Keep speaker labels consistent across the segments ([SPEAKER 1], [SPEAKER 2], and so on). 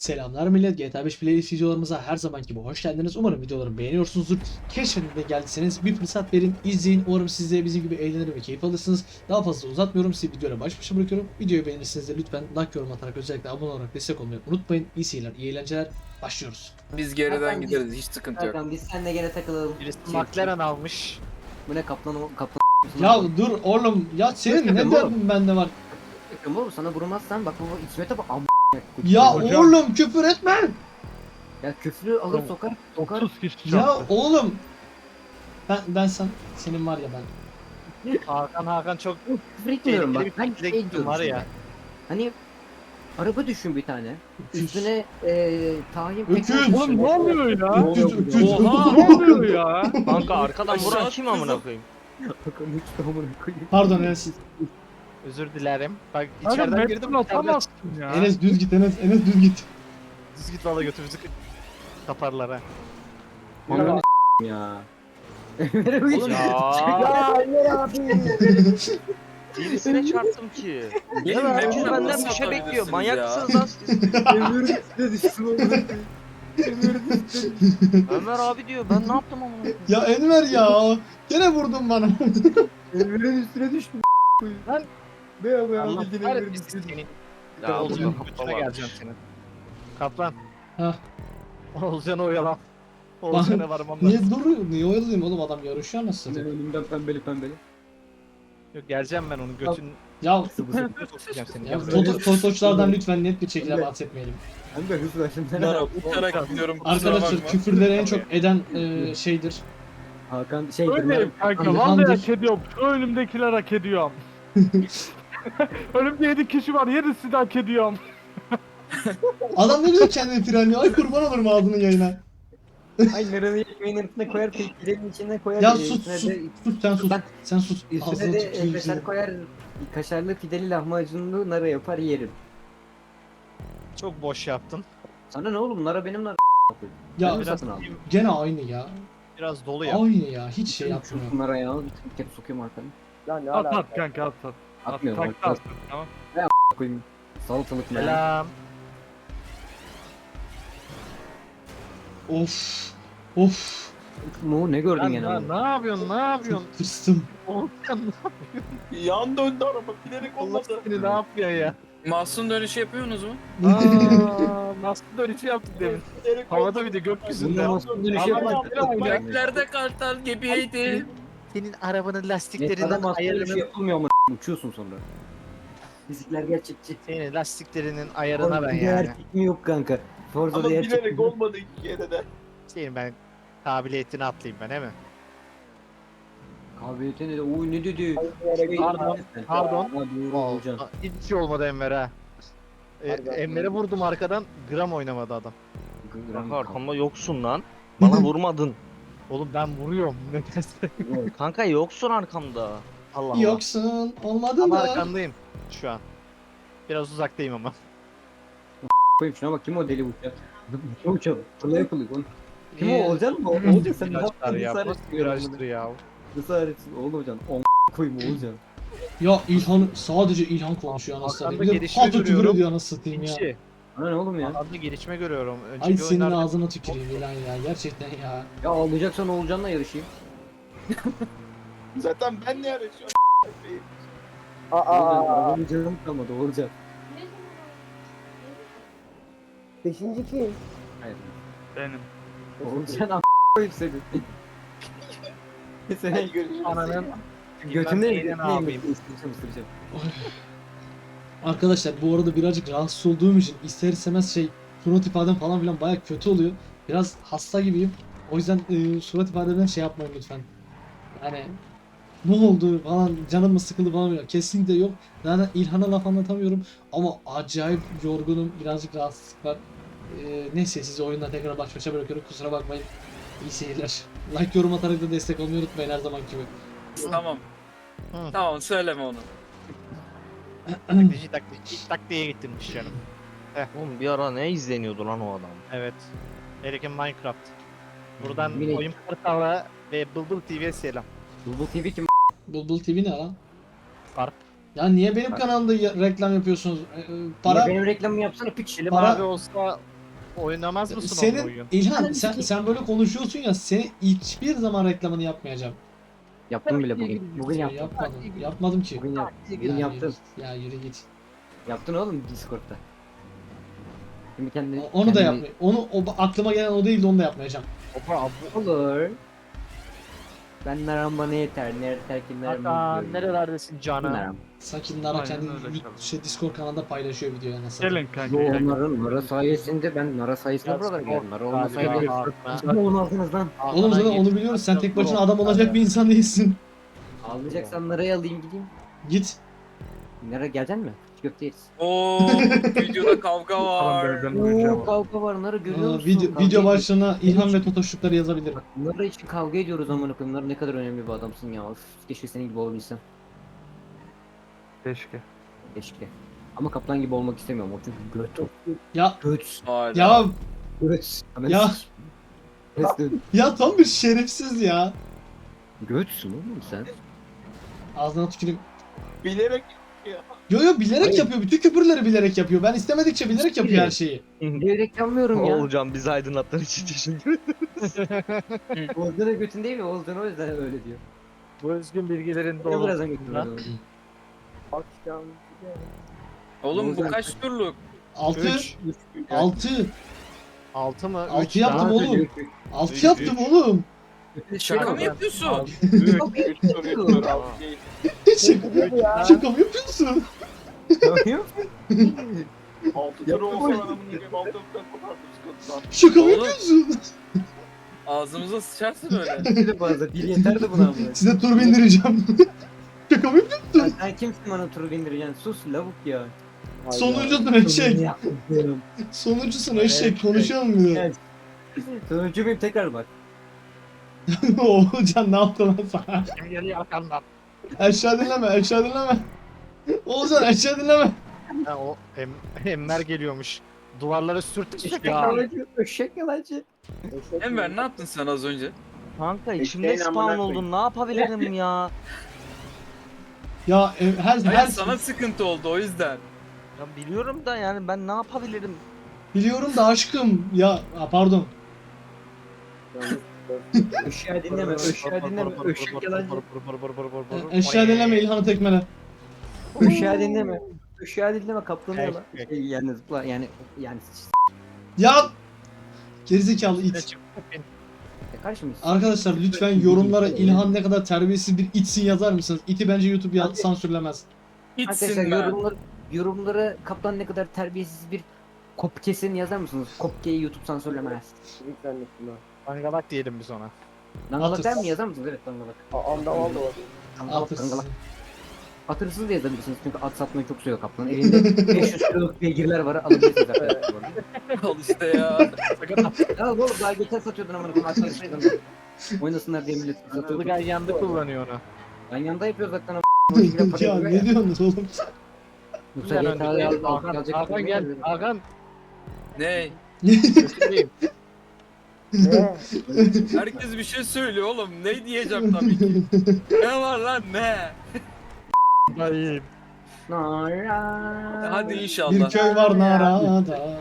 [SPEAKER 1] Selamlar millet, GTA 5 playlist videolarımıza her zamanki gibi hoş geldiniz. Umarım videolarımı beğeniyorsunuzdur. Keşfetmeye geldiyseniz bir fırsat verin, izleyin. Umarım siz de bizim gibi eğlenir ve keyif alırsınız. Daha fazla uzatmıyorum, sizi videoyla baş başa bırakıyorum. Videoyu beğenirseniz de lütfen like, yorum atarak özellikle abone olarak destek olmayı unutmayın. İyi seyirler, iyi eğlenceler. Başlıyoruz.
[SPEAKER 2] Biz geriden
[SPEAKER 3] Hakan,
[SPEAKER 2] gideriz, hiç sıkıntı yok.
[SPEAKER 3] Hakan biz seninle gene takılalım.
[SPEAKER 4] Birisi McLaren almış.
[SPEAKER 3] Bu ne kaplan
[SPEAKER 1] Ya dur oğlum, ya senin ne
[SPEAKER 3] Oğlum.
[SPEAKER 1] derdin bende var?
[SPEAKER 3] Takım oğlum sana vurmazsan bak bu İsmet'e bak
[SPEAKER 1] Ya
[SPEAKER 4] Hocam.
[SPEAKER 1] oğlum küfür etme.
[SPEAKER 3] Ya küfrü alır sokar
[SPEAKER 4] 30 kişi
[SPEAKER 1] Ya
[SPEAKER 4] çarptı.
[SPEAKER 1] oğlum. Senin var ya ben.
[SPEAKER 4] Hakan çok
[SPEAKER 3] küfür etmiyorum bak.
[SPEAKER 4] tehlikeli
[SPEAKER 3] Ben
[SPEAKER 4] bir şekilde
[SPEAKER 3] şey
[SPEAKER 4] gittim
[SPEAKER 3] diyorum
[SPEAKER 4] var
[SPEAKER 3] sana.
[SPEAKER 4] ya.
[SPEAKER 3] Hani araba düşün bir tane. Üstüne tahin
[SPEAKER 1] Öküz.
[SPEAKER 4] Oğlum ne oluyor ya?
[SPEAKER 1] Öküz, öküz.
[SPEAKER 4] Oha ne oluyor ya?
[SPEAKER 5] Kanka arkadan vuran kim amına koyayım?
[SPEAKER 3] Hakan hiç tamamını koyayım.
[SPEAKER 1] Pardon Enes.
[SPEAKER 4] Özür dilerim. Bak
[SPEAKER 6] Kanka
[SPEAKER 4] içeriden girdim
[SPEAKER 6] Metro
[SPEAKER 4] içeriden
[SPEAKER 6] atamazsın ya.
[SPEAKER 1] Enes düz git, Enes düz git.
[SPEAKER 4] düz git valla götümüzü kaparlar ha.
[SPEAKER 3] Ananı ya.
[SPEAKER 5] Oğlum
[SPEAKER 3] Ya Emre abi.
[SPEAKER 5] birisine çarptım ki.
[SPEAKER 2] Benim
[SPEAKER 5] Herkes
[SPEAKER 2] mekana
[SPEAKER 5] benden
[SPEAKER 2] nasıl
[SPEAKER 5] bir şey bekliyor.
[SPEAKER 2] atabilirsiniz
[SPEAKER 5] Manyak
[SPEAKER 2] ya?
[SPEAKER 5] mısınız lan siz?
[SPEAKER 3] Emre'nin üstüne düştüm oğlum.
[SPEAKER 5] Ömer abi diyor. Ben ne yaptım amına koyayım?
[SPEAKER 1] Ya Enver ya. Gene vurdun bana.
[SPEAKER 3] Emre'nin üstüne düştüm. Lan. Be be
[SPEAKER 4] Allah
[SPEAKER 3] bildiğin Emre'nin
[SPEAKER 4] kahretmesin
[SPEAKER 3] üstüne
[SPEAKER 4] seni.
[SPEAKER 5] Ya
[SPEAKER 4] Olcan'ın
[SPEAKER 5] oğlum,
[SPEAKER 4] götüne
[SPEAKER 5] baba.
[SPEAKER 4] geleceğim senin. Kaplan.
[SPEAKER 1] Hah.
[SPEAKER 4] Olcan'ı oyalan. Olcan'a varmam lazım.
[SPEAKER 1] Niye duruyor? Niye oyalayayım oğlum, adam yarışıyor nasıl satayım?
[SPEAKER 3] Önümden pembeli.
[SPEAKER 4] Yok geleceğim ben onun götünü
[SPEAKER 1] Ya
[SPEAKER 4] sokacağım seni.
[SPEAKER 1] ya
[SPEAKER 4] Gel buraya.
[SPEAKER 1] Totoçlardan lütfen net bir şekilde bahsetmeyelim.
[SPEAKER 3] Hem de hızla şimdi.
[SPEAKER 2] Bunlara uçarak gidiyorum, kusura
[SPEAKER 1] Arkadaşlar
[SPEAKER 2] bakma.
[SPEAKER 1] küfürleri en çok eden şeydir.
[SPEAKER 3] Hakan şey
[SPEAKER 6] Öyle kanka
[SPEAKER 1] İlhan'dır.
[SPEAKER 6] vallahi hak ediyorum. Şu önümdekiler hak ediyorum. Önümde 7 kişi var. 7'si de hak ediyorum.
[SPEAKER 1] Adam ne güzel kendini frenliyor. Ay kurban olurum ağzının yayına.
[SPEAKER 3] Ay narını ekmeğin arasına koyar, pidenin içine koyar.
[SPEAKER 1] Ya
[SPEAKER 3] üstüne
[SPEAKER 1] sus sus
[SPEAKER 3] de-
[SPEAKER 1] sus sen sus.
[SPEAKER 3] Ben-
[SPEAKER 1] Sen sus.
[SPEAKER 3] Üstüne
[SPEAKER 1] Ağzını
[SPEAKER 3] de
[SPEAKER 1] tüküreyim
[SPEAKER 3] kaşar
[SPEAKER 1] seni.
[SPEAKER 3] koyar, kaşarlı pideli lahmacunlu narı yapar yerim.
[SPEAKER 4] Çok boş yaptın.
[SPEAKER 3] Sana ne oğlum nara benim nar.
[SPEAKER 1] Ya
[SPEAKER 3] Ben mi
[SPEAKER 4] biraz
[SPEAKER 3] satın aldım?
[SPEAKER 1] gene aynı ya.
[SPEAKER 4] Biraz dolu ya.
[SPEAKER 1] Aynı ya. Hiç şey yapmıyor.
[SPEAKER 3] Şu nara ya, bir kere sokuyorum arkanı.
[SPEAKER 6] At kanka at.
[SPEAKER 3] Atmıyorum
[SPEAKER 6] Tak
[SPEAKER 3] bak.
[SPEAKER 6] at. Tamam.
[SPEAKER 3] Koyayım. Salatalık nara.
[SPEAKER 4] Selam.
[SPEAKER 1] Of. Of.
[SPEAKER 3] Ne gördün
[SPEAKER 4] Lan
[SPEAKER 3] gene?
[SPEAKER 4] ne yapıyorsun? Ne yapıyorsun?
[SPEAKER 1] Tırstım.
[SPEAKER 4] Olcan
[SPEAKER 2] Yan döndü araba, bilerek
[SPEAKER 4] Allah
[SPEAKER 2] olmadı.
[SPEAKER 4] seni ne yapıyor ya?
[SPEAKER 2] Mahsun dönüşü yapıyorsunuz mu?
[SPEAKER 4] Aa, nasıl dönüşü yaptık demin.
[SPEAKER 2] Bilerek
[SPEAKER 4] Havada bir de gökyüzünde.
[SPEAKER 3] Bunlar nasıl dönüş
[SPEAKER 4] Ama
[SPEAKER 3] yapıyor?
[SPEAKER 2] Bike'lerde kartal gibiydi.
[SPEAKER 4] Senin arabanın
[SPEAKER 3] Adam
[SPEAKER 4] lastiklerinden
[SPEAKER 3] aslında dönüşü
[SPEAKER 4] ayarını...
[SPEAKER 3] yapılmıyor ama uçuyorsun sonra. Fizikler gerçekçi.
[SPEAKER 4] Senin lastiklerinin ayarına ben
[SPEAKER 3] Bir de
[SPEAKER 4] yani.
[SPEAKER 3] erkek mi yok kanka? Forza'da gerçek.
[SPEAKER 2] olmadı iki kere de.
[SPEAKER 4] Senin ben kabiliyetini atlayayım ben he mi?
[SPEAKER 3] Kabiliyeti ne de? Oy ne dedi?
[SPEAKER 4] Pardon.
[SPEAKER 3] Ha, doğru hocam.
[SPEAKER 4] Hiç şey olmadı Enver'e ha. Enver'e vurdum arkadan gram oynamadı adam.
[SPEAKER 5] Kanka arkamda yoksun lan. Bana vurmadın.
[SPEAKER 4] Oğlum ben vuruyorum. Nedense.
[SPEAKER 5] Kanka yoksun arkamda.
[SPEAKER 4] Allah Allah.
[SPEAKER 1] Yoksun. Olmadı
[SPEAKER 4] Ama
[SPEAKER 1] da.
[SPEAKER 4] arkandayım şu an. Biraz uzaktayım ama.
[SPEAKER 3] Koyayım şuna bak kim o deli uçak? Ne uçak? Fırla yapılıyor oğlum. Kim o
[SPEAKER 4] Ee,
[SPEAKER 3] Olcan mı? Olcan sen ne
[SPEAKER 4] Virajlar
[SPEAKER 3] yaptın?
[SPEAKER 4] ya.
[SPEAKER 3] Nasıl
[SPEAKER 4] Nasıl
[SPEAKER 3] öğretsin?
[SPEAKER 4] virajdır ya?
[SPEAKER 3] Nasıl öğretsin? Oğlum Olcan. Koyayım Olcan.
[SPEAKER 1] Ya İlhan sadece İlhan konuşuyor anasını satayım.
[SPEAKER 4] Arkanda
[SPEAKER 1] Bir de
[SPEAKER 4] gelişme
[SPEAKER 1] fazla küfür
[SPEAKER 4] görüyorum.
[SPEAKER 1] ediyor anasını satayım ya.
[SPEAKER 4] İki.
[SPEAKER 3] Ana ne oğlum ya?
[SPEAKER 4] Arada gelişme görüyorum.
[SPEAKER 1] Ay
[SPEAKER 4] Önceki
[SPEAKER 1] senin
[SPEAKER 4] oyunlarda
[SPEAKER 1] ağzına tüküreyim İlhan ya. Gerçekten ya.
[SPEAKER 3] Ya ağlayacaksan Olcan'la yarışayım.
[SPEAKER 2] Zaten ben ne yarışıyorum?
[SPEAKER 3] Aa. Canım kalmadı Olcan.
[SPEAKER 7] Beşinci kim?
[SPEAKER 3] Hayır.
[SPEAKER 6] Benim.
[SPEAKER 3] Olcan koyayım seni. Seni
[SPEAKER 4] ananın
[SPEAKER 3] götüne
[SPEAKER 4] ne yapayım?
[SPEAKER 3] ısıracağım.
[SPEAKER 1] Arkadaşlar bu arada birazcık rahatsız olduğum için ister istemez surat ifadem falan filan baya kötü oluyor. Biraz hasta gibiyim. O yüzden surat ifademden şey yapmayın lütfen. Yani ne oldu falan, canım mı sıkıldı falan filan. Kesinlikle yok. Zaten İlhan'a laf anlatamıyorum ama acayip yorgunum. Birazcık rahatsızlık var. Neyse sizi oyundan tekrar baş başa bırakıyorum. Kusura bakmayın. İyi seyirler. Like, yorum atarak da destek olmayı unutmayın her zaman gibi.
[SPEAKER 2] Tamam.
[SPEAKER 4] Hı.
[SPEAKER 2] Tamam, söyleme onu.
[SPEAKER 4] Taktiğe getirmiş canım.
[SPEAKER 5] Oğlum bir ara ne izleniyordu lan o adam?
[SPEAKER 4] Evet. Erkin Minecraft. Buradan
[SPEAKER 3] Yine-
[SPEAKER 4] Oyun Portal'a ve Bulbul TV'ye selam.
[SPEAKER 3] Bulbul TV kim?
[SPEAKER 1] Bulbul TV ne lan?
[SPEAKER 4] Fark.
[SPEAKER 1] Ya niye benim kanalımda reklam yapıyorsunuz?
[SPEAKER 3] Para...
[SPEAKER 1] Para
[SPEAKER 3] Benim reklamımı yapsana piç.
[SPEAKER 4] Selim
[SPEAKER 1] Para-
[SPEAKER 4] abi olsa Oynamaz mısın
[SPEAKER 1] Senin
[SPEAKER 4] onun oyun?
[SPEAKER 1] İlhan sen böyle konuşuyorsun ya, seni hiçbir zaman reklamını yapmayacağım.
[SPEAKER 3] Yaptım bile bugün. Bugün
[SPEAKER 1] Ya
[SPEAKER 3] yaptım.
[SPEAKER 1] yapmadım ki.
[SPEAKER 3] Bugün yaptım. Bugün
[SPEAKER 1] Ya
[SPEAKER 3] yaptım.
[SPEAKER 1] Ya yürü git.
[SPEAKER 3] Yaptın oğlum Discord'da. Şimdi kendini...
[SPEAKER 1] Onu da
[SPEAKER 3] kendini-
[SPEAKER 1] yapmayı. Aklıma gelen o değildi, onu da yapmayacağım.
[SPEAKER 3] Olur. Ben naram bana yeter. Ne yeter ki naram.
[SPEAKER 4] Hakan nerelerdesin canım?
[SPEAKER 3] Naram.
[SPEAKER 1] Sanki Nara
[SPEAKER 6] Aynen
[SPEAKER 1] kendi
[SPEAKER 6] öyle tabii.
[SPEAKER 1] Discord kanalında paylaşıyor videoyu nasıl.
[SPEAKER 6] Gelin kanka.
[SPEAKER 3] Yo
[SPEAKER 6] gelin.
[SPEAKER 3] Nara sayesinde ben Nara sayesinde buralara geldim. Nara olmasaydı
[SPEAKER 4] Galiba.
[SPEAKER 3] ne olmazdınız lan.
[SPEAKER 1] Oğlum zaten onu biliyoruz. Sen tek başına adam olacak bir insan değilsin.
[SPEAKER 3] Ağlayacaksan Nara'yı alayım gideyim.
[SPEAKER 1] Git.
[SPEAKER 3] Nara geleceksin mi? Hiç köfte yeriz.
[SPEAKER 2] Oo, videoda kavga
[SPEAKER 6] Tamam
[SPEAKER 2] var.
[SPEAKER 6] ben öleceğim.
[SPEAKER 3] Oo kavga var Nara görüyor
[SPEAKER 1] Aa,
[SPEAKER 3] musun?
[SPEAKER 1] video
[SPEAKER 3] Kavga ediyoruz.
[SPEAKER 1] başlığına İlhan ve Totoşlukları yazabilirim.
[SPEAKER 3] Nara için kavga ediyoruz amına koyayım. Nara ne kadar önemli bir adamsın ya. Of, keşke senin gibi olabilsem.
[SPEAKER 6] Keşke.
[SPEAKER 3] Keşke. Ama kaplan gibi olmak istemiyorum. O çünkü göt.
[SPEAKER 1] Ya
[SPEAKER 3] Göt.
[SPEAKER 2] Hala.
[SPEAKER 1] ya
[SPEAKER 3] Göt.
[SPEAKER 1] Ya. ya tam bir şerefsiz ya.
[SPEAKER 3] Götsün oğlum sen.
[SPEAKER 1] Ağzına tüküreyim.
[SPEAKER 2] Bilerek
[SPEAKER 1] Yo bilerek
[SPEAKER 3] Hayır.
[SPEAKER 1] yapıyor. Bütün küfürleri bilerek yapıyor. Ben istemedikçe bilerek yapıyor her şeyi.
[SPEAKER 3] Bilerek yapmıyorum ya.
[SPEAKER 5] Olacağım bizi aydınlattığın için teşekkür ederim.
[SPEAKER 3] Oğuzcan'a götün değil mi? Oğuzcan o yüzden öyle diyor.
[SPEAKER 4] Bu özgün bilgilerin
[SPEAKER 3] Ne
[SPEAKER 4] dolu.
[SPEAKER 3] birazdan götün öyle.
[SPEAKER 2] Oğlum bu kaç turluk?
[SPEAKER 1] 6
[SPEAKER 4] Üç.
[SPEAKER 1] 6
[SPEAKER 4] 6 mı?
[SPEAKER 1] 6
[SPEAKER 4] Üç
[SPEAKER 1] yaptım
[SPEAKER 4] daha.
[SPEAKER 1] oğlum. 6 yaptım oğlum.
[SPEAKER 2] Şaka mı yapıyorsun?
[SPEAKER 3] 3
[SPEAKER 2] 3 tur 3 tur.
[SPEAKER 1] Şaka mı yapıyorsun?
[SPEAKER 2] 6 tur olsa adamın gibi 6 turdan kopardım sıkıntıdan.
[SPEAKER 1] Şaka mı
[SPEAKER 2] Oğlum.
[SPEAKER 1] yapıyorsun?
[SPEAKER 2] Ağzımıza sıçarsın öyle.
[SPEAKER 3] Bir fazla. Bir yeter de buna ama.
[SPEAKER 1] Size tur bindireceğim. Şaka mı yapıyorsun?
[SPEAKER 3] Sen kimsin bana turu bindireceksin? Sus lavuk ya.
[SPEAKER 1] Sonuncusun eşek.
[SPEAKER 3] Yaptım.
[SPEAKER 1] Sonuncusun eşek. Konuşalım bir de.
[SPEAKER 3] Evet. Sonuncu muyum tekrar bak.
[SPEAKER 1] Oğulcan ne yaptı lan sana?
[SPEAKER 4] Kim geliyor arkandan?
[SPEAKER 1] Aşağı dinleme, aşağı dinleme. Oğulcan aşağı dinleme.
[SPEAKER 4] Ha, o Enver geliyormuş. Duvarlara sürtüşecek
[SPEAKER 3] Eşek
[SPEAKER 4] ya.
[SPEAKER 3] yalancı. Eşek yalancı.
[SPEAKER 2] Enver ne yaptın sen az önce?
[SPEAKER 5] Kanka içimde spawn oldun ne yapabilirim ya?
[SPEAKER 1] Ya her
[SPEAKER 2] Hayır sana sıkıntı oldu o yüzden.
[SPEAKER 5] Ya biliyorum da yani ben ne yapabilirim?
[SPEAKER 1] biliyorum da aşkım. Ya pardon.
[SPEAKER 3] Eşeği dinleme. Eşeği dinleme. Eşek yalancı.
[SPEAKER 1] Aşağı dinleme İlhan'ı tekmele.
[SPEAKER 3] Eşeği dinleme. Eşeği dinleme. Kaplanı yala.
[SPEAKER 4] Eşek.
[SPEAKER 3] Yani zıpla yani.
[SPEAKER 1] Ya gerizekalı it.
[SPEAKER 3] Karşı mıyız?
[SPEAKER 1] Arkadaşlar lütfen yorumlara İlhan ne kadar terbiyesiz bir itsin yazar mısınız? İti bence YouTube
[SPEAKER 3] Hadi.
[SPEAKER 1] sansürlemez.
[SPEAKER 2] Gitsin
[SPEAKER 3] Arkadaşlar
[SPEAKER 2] ben.
[SPEAKER 3] yorumlara kaplan ne kadar terbiyesiz bir kop kesin yazar mısınız? Kopkeyi YouTube sansürlemez.
[SPEAKER 7] Lütfen lütfen.
[SPEAKER 4] Dangalak diyelim biz ona.
[SPEAKER 3] Dangalak
[SPEAKER 1] Atır.
[SPEAKER 3] der mi yazar mısınız? Evet dangalak.
[SPEAKER 7] Anda oldu.
[SPEAKER 3] Dangalak
[SPEAKER 1] Atırsız.
[SPEAKER 3] dangalak. Atırsız da yazabilirsiniz çünkü at satmayı çok seviyor kaplan. Elinde 500 kiloluk beygirler var alabilirsiniz arkadaşlar. bu arada.
[SPEAKER 2] Al işte ya.
[SPEAKER 3] Ya oğlum daha geçen satıyordun amına koyayım at yarışmaydın. Oynasınlar diye millet satıyordu.
[SPEAKER 4] Ilgay yandı kullanıyor onu.
[SPEAKER 3] Ben yanında yapıyoruz zaten ama.
[SPEAKER 1] ya ne diyorsunuz oğlum?
[SPEAKER 3] Yoksa
[SPEAKER 4] Hemen
[SPEAKER 3] YTA'ya
[SPEAKER 4] önde. Hakan gel. Hakan.
[SPEAKER 2] Ne?
[SPEAKER 4] Götüreyim.
[SPEAKER 7] Ne?
[SPEAKER 2] Herkes bir şey söylüyor oğlum. Ne diyeceğim tabii ki. Ne var lan ne?
[SPEAKER 4] Dayım.
[SPEAKER 2] Hadi
[SPEAKER 1] Bir
[SPEAKER 2] inşallah.
[SPEAKER 1] köy var Nara'da.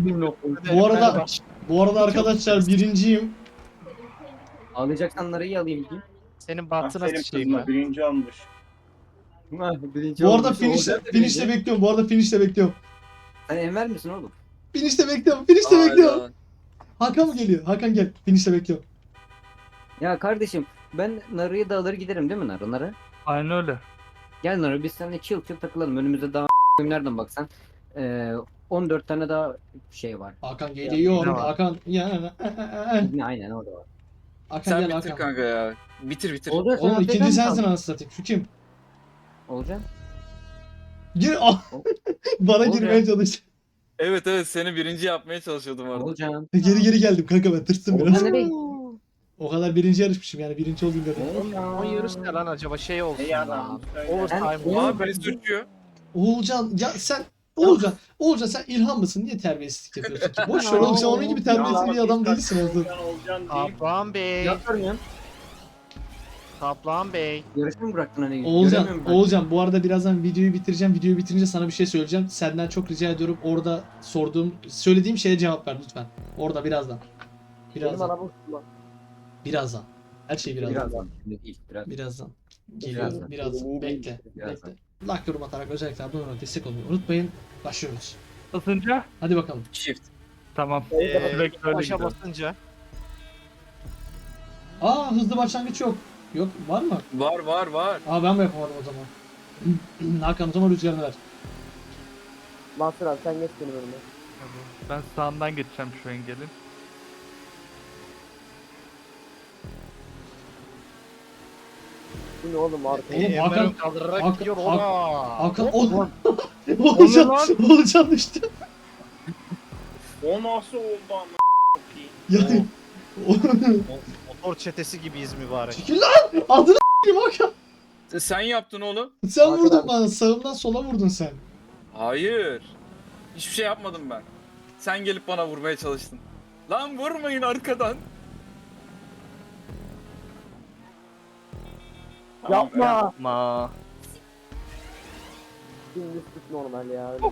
[SPEAKER 1] Bu arada arkadaşlar birinciyim.
[SPEAKER 3] Ağlayacaksan narayı alayım diyeyim.
[SPEAKER 4] Senin bahtına sıçayım ben.
[SPEAKER 8] Birinci olmuş.
[SPEAKER 3] Birinci
[SPEAKER 1] Bu arada
[SPEAKER 3] olmuş,
[SPEAKER 1] finish'te
[SPEAKER 3] olacak da birinci.
[SPEAKER 1] bekliyorum. Bu arada finish'te bekliyorum.
[SPEAKER 3] Sen Enver misin oğlum?
[SPEAKER 1] Finish'te bekliyorum. Finish'te
[SPEAKER 2] Hala.
[SPEAKER 1] bekliyorum. Hakan mı geliyor? Hakan gel. Finish'te bekliyorum.
[SPEAKER 3] Ya kardeşim ben narayı da alır giderim değil mi Nara?
[SPEAKER 6] Aynen öyle.
[SPEAKER 3] Gel Nara biz seninle chill takılalım. Önümüzde daha nereden baksan 14 tane daha şey var.
[SPEAKER 1] Hakan geliyor.
[SPEAKER 6] Ne var?
[SPEAKER 1] Hakan ya.
[SPEAKER 3] Ne aynen orada var.
[SPEAKER 1] Hakan
[SPEAKER 2] Sen
[SPEAKER 1] gel
[SPEAKER 2] bitir
[SPEAKER 1] Hakan.
[SPEAKER 2] kanka ya. Bitir.
[SPEAKER 3] Olacak
[SPEAKER 1] Oğlum ikinci sensin anasını satayım. Şu kim?
[SPEAKER 3] Olacak.
[SPEAKER 1] Gir. Bana
[SPEAKER 3] Olacak.
[SPEAKER 1] girmeye çalış.
[SPEAKER 2] Evet seni birinci yapmaya çalışıyordum orada.
[SPEAKER 3] Olacak.
[SPEAKER 1] Geri geldim kanka, ben tırstım biraz.
[SPEAKER 3] Olacak nereye?
[SPEAKER 1] O kadar birinci yarışmışım yani, birinci olayım dedim.
[SPEAKER 4] O yarış ne lan acaba şey olsun
[SPEAKER 8] Ne
[SPEAKER 4] lan.
[SPEAKER 8] yalan söyle.
[SPEAKER 4] Overtime
[SPEAKER 3] Ben-
[SPEAKER 4] olsun.
[SPEAKER 2] Aa birisi uçuyor.
[SPEAKER 1] Oğulcan ya sen Oğulcan sen İlhan mısın? Niye terbiyesizlik yapıyorsun ki? Boş ver oğlum, sen onun gibi terbiyesiz bir adam değilsin oğlum.
[SPEAKER 8] Olcan deyip
[SPEAKER 4] Kaplan Bey.
[SPEAKER 3] Yapmıyorum.
[SPEAKER 4] Kaplan Bey.
[SPEAKER 3] Yarışı mı bıraktın hani?
[SPEAKER 1] Oğulcan,
[SPEAKER 3] Göremiyorum ben.
[SPEAKER 1] Oğulcan bu arada birazdan videoyu bitireceğim. Videoyu bitirince sana bir şey söyleyeceğim. Senden çok rica ediyorum orada söylediğim şeye cevap ver lütfen. Orada birazdan.
[SPEAKER 7] Benim
[SPEAKER 1] Birazdan.
[SPEAKER 7] araba uçtu lan.
[SPEAKER 1] Birazdan. Her şey birazdan.
[SPEAKER 3] Birazdan. Şimdi değil.
[SPEAKER 1] Birazdan. Geliyor.
[SPEAKER 3] Birazdan.
[SPEAKER 1] Birazdan. Bekle.
[SPEAKER 3] Birazdan.
[SPEAKER 1] Bekle. Like yorum atarak özellikle abone olmayı destek olmayı unutmayın. Başlıyoruz.
[SPEAKER 6] Basınca
[SPEAKER 1] Hadi bakalım.
[SPEAKER 2] Shift.
[SPEAKER 6] tamam.
[SPEAKER 7] Ee,
[SPEAKER 6] Direkt öyle
[SPEAKER 4] Başa
[SPEAKER 6] gidelim.
[SPEAKER 4] basınca.
[SPEAKER 1] Aa hızlı başlangıç yok. Yok var mı?
[SPEAKER 2] Var var var.
[SPEAKER 1] Aa ben mi yapamadım o zaman? Hakan o zaman rüzgarını ver.
[SPEAKER 7] Mansur abi sen geç benim önüme.
[SPEAKER 6] Ben sağından geçeceğim şu engelin.
[SPEAKER 7] Bu ne oğlum arkaya?
[SPEAKER 1] Oğlum,
[SPEAKER 4] Emre
[SPEAKER 1] Hakan-
[SPEAKER 4] kaldırarak
[SPEAKER 1] Hakan-
[SPEAKER 4] gidiyor
[SPEAKER 1] Hakan-
[SPEAKER 4] ola.
[SPEAKER 1] Hakan
[SPEAKER 6] Ulan.
[SPEAKER 1] Oğulcan,
[SPEAKER 6] lan.
[SPEAKER 1] Oğulcan düştü.
[SPEAKER 8] O nasıl oldu ama?
[SPEAKER 1] Yani
[SPEAKER 4] Motor çetesi gibiyiz mübarek.
[SPEAKER 1] çekil lan! Adını s**eyim Hakan.
[SPEAKER 2] Sen yaptın oğlum.
[SPEAKER 1] Sen
[SPEAKER 7] Hakan
[SPEAKER 1] vurdun
[SPEAKER 7] abi.
[SPEAKER 1] bana. Sağımdan sola vurdun sen.
[SPEAKER 2] Hayır. Hiçbir şey yapmadım ben. Sen gelip bana vurmaya çalıştın. Lan vurmayın arkadan.
[SPEAKER 7] Yapma.
[SPEAKER 5] Ma.
[SPEAKER 7] Dümdüz git normal ya. Öyle.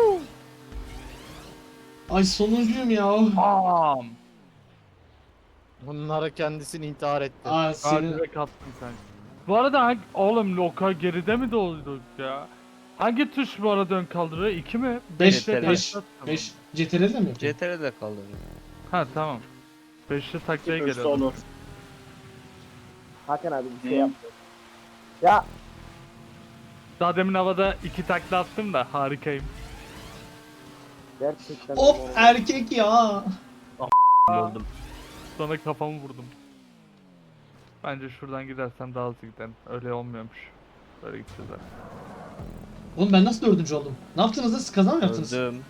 [SPEAKER 1] Ay sonuncuyum ya.
[SPEAKER 6] Bam.
[SPEAKER 4] Bunlara kendisini intihar etti.
[SPEAKER 1] Aa
[SPEAKER 6] Aa,
[SPEAKER 1] senin...
[SPEAKER 6] direkt attın sen. Bu arada oğlum Loka geride mi dolduk ya? Hangi tuş bu arada ön kaldırıyor? 2 mi?
[SPEAKER 1] 5,
[SPEAKER 5] CTRL.
[SPEAKER 1] 5, 5. CTRL'de mi yapıyorsun?
[SPEAKER 5] CTR'de kaldı.
[SPEAKER 6] Ha tamam. 5'li taklaya
[SPEAKER 8] Hızlı
[SPEAKER 6] geliyorum.
[SPEAKER 8] olur.
[SPEAKER 7] Hakan abi bir şey
[SPEAKER 2] Hı.
[SPEAKER 7] yaptı. Ya
[SPEAKER 6] Daha demin havada 2 takla attım da harikayım.
[SPEAKER 7] gerçekten.
[SPEAKER 1] Hop
[SPEAKER 7] normal.
[SPEAKER 1] erkek ya.
[SPEAKER 5] Öldüm.
[SPEAKER 6] Sonra kafamı vurdum. Bence şuradan gidersem daha hızlı giderim. Öyle olmuyormuş. Böyle gideceğiz artık.
[SPEAKER 1] Oğlum ben nasıl dördüncü oldum? Ne yaptınız da siz kaza mı yaptınız?
[SPEAKER 5] Öldüm.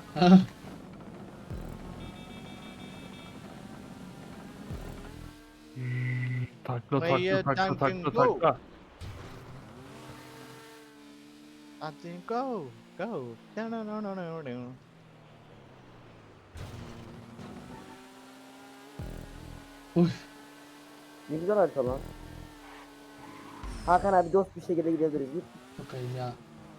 [SPEAKER 6] Takla
[SPEAKER 4] Mayor
[SPEAKER 6] takla takla
[SPEAKER 4] Duncan
[SPEAKER 6] takla
[SPEAKER 4] go.
[SPEAKER 6] takla.
[SPEAKER 4] I think go. Go. No, no, no, no, no, no.
[SPEAKER 7] Ne güzel harita lan. Hakan abi dost bir şekilde gidebiliriz. Git.
[SPEAKER 1] Bakayım ya.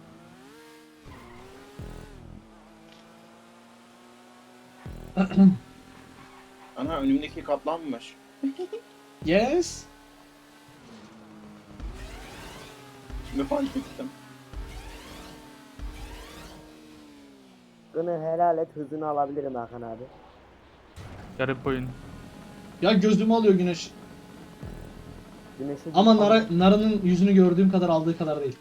[SPEAKER 8] Ana önümdeki katlanmış.
[SPEAKER 1] Yes.
[SPEAKER 8] Şimdi fark ettim.
[SPEAKER 7] Hakkını helal et hızını alabilirim Hakan abi.
[SPEAKER 6] Garip oyun.
[SPEAKER 1] Ya gözümü alıyor güneş.
[SPEAKER 7] Güneşi
[SPEAKER 1] Ama Nara'nın yüzünü gördüğüm kadar aldığı kadar değil.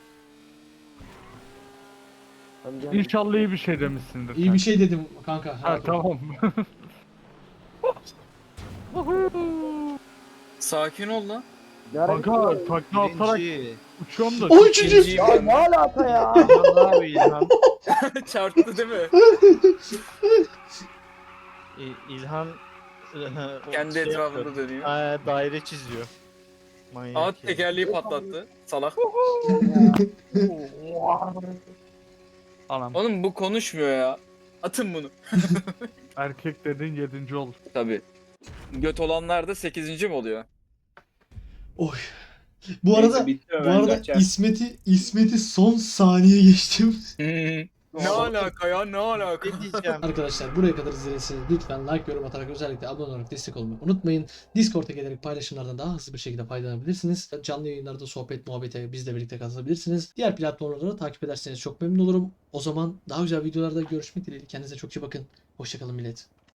[SPEAKER 6] İnşallah iyi bir şey demişsindir.
[SPEAKER 1] İyi
[SPEAKER 6] sen.
[SPEAKER 1] bir şey dedim kanka.
[SPEAKER 6] Ha tamam.
[SPEAKER 2] Sakin ol lan.
[SPEAKER 6] Kanka takla atarak
[SPEAKER 4] Birinci.
[SPEAKER 6] uçuyorum da.
[SPEAKER 1] O üçüncü.
[SPEAKER 2] İkinciyim
[SPEAKER 7] Ya
[SPEAKER 2] ben.
[SPEAKER 7] ne alaka ya?
[SPEAKER 4] İlhan abi İlhan.
[SPEAKER 2] Çarptı değil mi?
[SPEAKER 4] İlhan o
[SPEAKER 2] Kendi
[SPEAKER 4] şey
[SPEAKER 2] etrafında
[SPEAKER 4] yapıyor.
[SPEAKER 2] dönüyor.
[SPEAKER 4] Daire çiziyor. Manyak
[SPEAKER 2] Aa
[SPEAKER 4] ya.
[SPEAKER 2] tekerleği patlattı. Salak.
[SPEAKER 6] Anam.
[SPEAKER 2] Oğlum bu konuşmuyor ya. Atın bunu.
[SPEAKER 6] Erkek dedin 7. ol.
[SPEAKER 2] Tabii. Göt olanlar da 8. mi oluyor?
[SPEAKER 1] Oy. Bu arada
[SPEAKER 8] bitiyor,
[SPEAKER 1] bu
[SPEAKER 8] ben
[SPEAKER 1] arada
[SPEAKER 8] kaçar.
[SPEAKER 1] İsmet'i son saniye geçtim.
[SPEAKER 2] Ne alaka ya ne alaka?
[SPEAKER 4] Ne diyeceğim?
[SPEAKER 1] Arkadaşlar buraya kadar izlediyseniz lütfen like, yorum atarak özellikle abone olarak destek olmayı unutmayın. Discord'a gelerek paylaşımlardan daha hızlı bir şekilde faydalanabilirsiniz. Canlı yayınlarda sohbet, muhabbete bizle birlikte katılabilirsiniz. Diğer platformları da takip ederseniz çok memnun olurum. O zaman daha güzel videolarda görüşmek dileğiyle. Kendinize çok iyi bakın. Hoşçakalın millet.